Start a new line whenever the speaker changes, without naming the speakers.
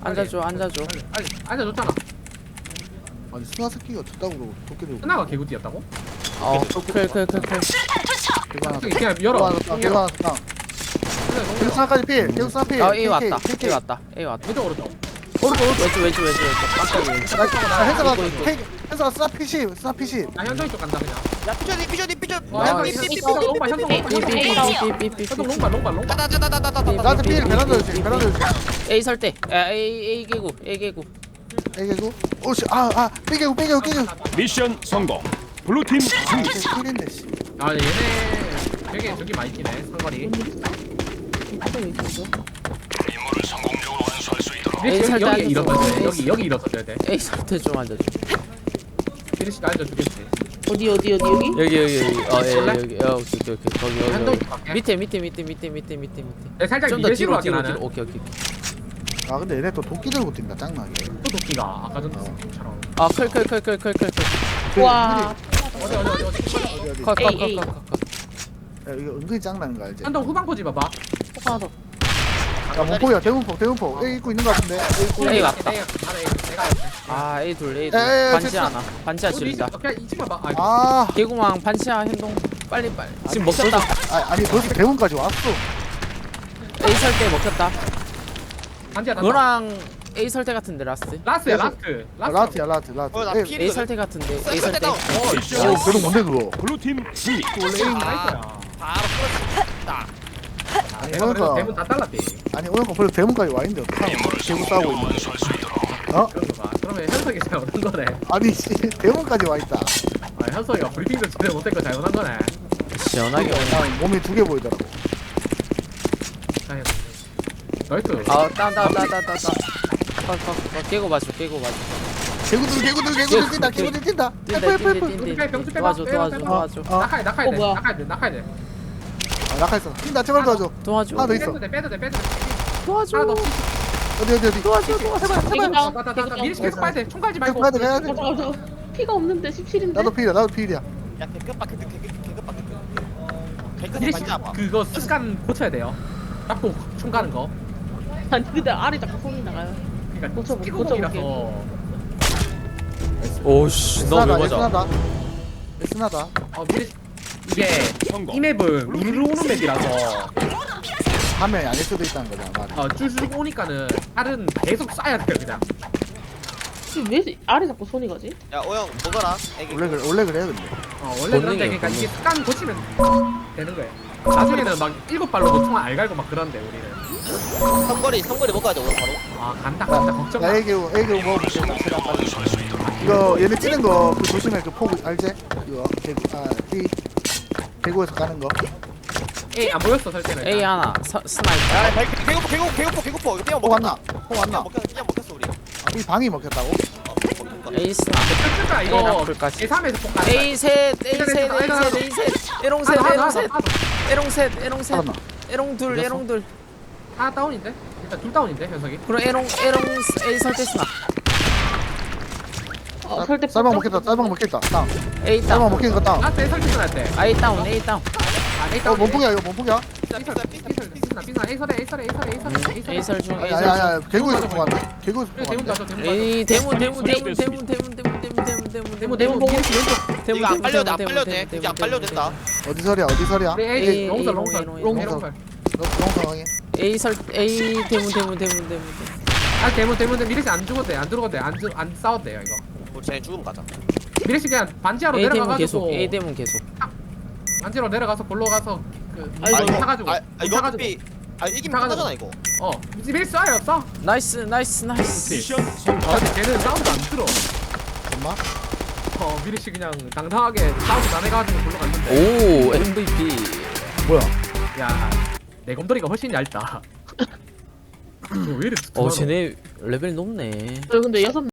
앉아줘 앉아줘.
아니 앉아줬잖아.
아니 스나스키가 저따구로 도끼 들고
끝나가 개구띠였다고?
클클클클.
개가 하나
그냥
개가
열어.
하나 더 개가 하나 더 계속 스나까지 필 계속 스나 필
아 A 왔다.
KK.
A 왔다. A 왔다.
왼쪽 오른쪽.
왼쪽. 깜짝이야 왼쪽.
현서가
이거, 이거.
현서가 스나 PC 스나 PC
나 현성이 쪽 간다 그냥.
야 삐져
현성 롱발 현성 롱발.
나한테 필 베란다 주지 베란다 주지
A 설대. A 개구. A 개구.
애개구 오씨 아아 삐개구
미션 성공. 블루팀 승리.
필인데 씨
아 얘네 되게 저기 많이 뛰네 상거리.
에이, 살짝
여기
앉아서.
일어서야 돼. 여기 일어서야 돼.
A 설대 좀 앉아줘.
피니시가 앉아주겠지.
어디 여기?
여기.
볼래?
여기. 오케이. 거기
한동
여기.
갈게.
밑에.
내 살짝
좀 더
미래식으로
뒤로
하긴
뒤로.
하는.
오케이.
아 근데 얘네 또 도끼 들고 뛴다 짱나게
또 도끼가 아까 전처럼.
아 클.
와.
어디.
컷.
에이, 에이.
야 이거 은근히 짱나는 거 알지?
한동 후방 포지 봐봐.
하나 더.
야 목포야 대문포 A 입고 있는 거 같은데 A 입고
A
있는
왔다.
내가
아 A 둘.
에이,
반지
됐어.
하나. 반지하 지른다.
그냥 이 집만 봐. 아,
아
개구망 반지하 행동. 빨리. 지금 먹혔다.
아니 벌써 대문까지 왔어
A 설대 먹혔다.
반지야 나.
너랑 A 설대 같은데 라스트.
라스트야
계속.
라스트.
라트야 라트
나
A
필-
A 설대 같은데 A
쌀
설대.
때다.
오 그럼 뭔데 그거
블루팀 승리.
원래 에임 나이스야.
바로 풀었다.
내가 그래서
그러니까.
대문 다 잘랐대.
아니 오늘 거 벌써 대문까지 와 있는데 어떡하노 개구 싸우고 있는데 어?
그런 거 봐. 그러면 현석이 잘못한 거네.
아니 씨 대문까지 와 있다
아 현석이가 브리핑도 제대로 못된 거 잘못한 거네.
시원하게 오네.
아, 몸이 두 개 보이더라고
나이스.
아 따. 깨고 봐줘.
개구들 뛴다 개구들 뛴다
뛴다. 도와줘.
낙하야
어, 뭐야.
돼.
아 낙하했어 뛴다 제발 도와줘
도와줘.
하나 더 있어
빼도 돼.
도와줘.
하나 더.
어디
도와줘.
개구다.
나 미리 계속 봐야 돼. 총 갈지 말고.
가야 돼 가야 돼
저 피가 없는데 17인데.
나도 필이야
야 개급박
미리
반지 아파.
그거 습관 고쳐야 돼요. 잡고 총 가는 거.
아니 근데 알이 자꾸 손이 나가요.
그러니까
고쳐볼게.
끼고목이라서.
오씨 너무 맞아.
스나다
미리 이게
성공.
이 맵은 우르르 오는 맵이라서
화면이 아닐 수도 있다는 거잖아 말이
쭉쭉 오니까는 알은 계속 쏴야 돼요 그냥.
왜 알이 자꾸 손이 가지?
야 오영 먹어라. 애기.
원래 그래 근데
원래 그런데 그러니까 이게 습관 고치면 되는 거예요. 나중에는 막 7발로도 총 알갈고 막 그런데 우리는.
삼거리 먹어야 돼 오늘 바로.
아 간다 걱정 마.
나 애교 먹어볼게 이거 얘네 뛰는 거 그 조심해 그 포구 알지? 이거 대구에서 가는 거
에이 안 보였어 설때는.
A 하나. 스나이퍼.
야 배고파. 이거 삐약
포 왔나?
삐약 먹혔어 우리.
이 방이 먹혔다고?
A 스나.
아
A
이거
라플까지.
제3에서 폭발.
A 셋. 에롱 셋.
살았나?
에롱 둘.
하나 다운인데? 일단 둘 다운인데 현석이.
그럼 에롱 A 설대 스나.
설대
쌀방 먹겠다 땅
A
쌀방
다운.
먹힌 거땅
라스트 설치 할 때.
A 다운.
아 에이
몸폭이야 이거 몸폭이야?
A 설 중. A 설 중.
야야야 개구에서 포 왔네 개구에서 포
대문
왔네
가서 대문
A 대문.
대문 보고
이거 안 빨려도 돼. 이게 안 빨려도 된다.
어디 설이야
우리
A,
A 롱설
롱설. 너 상황이
A 설 A 대문.
아 대문 미래씨 안 죽어도 돼안 싸워도 돼요 이거.
우리 쟤네 죽으면 가자.
미래씨 그냥 반지하로
A 대문 계속.
내려가가지고
A 대문 계속.
반지로 내려가서 볼로 가서 그
아이고,
타가지고
이거
타가지고
어차피 이기면 끝나잖아 이거.
미래씨 쏴요 쏴.
나이스.
미션 성공.
근데 쟤는 싸우도 안 들어.
엄마?
미래씨 그냥 당당하게 싸우고 나내가지고 볼로 갔는데.
오 MVP.
뭐야
야, 내 곰돌이가 훨씬 얇다. 왜 이래?
쟤네 레벨 높네.
저 근데 6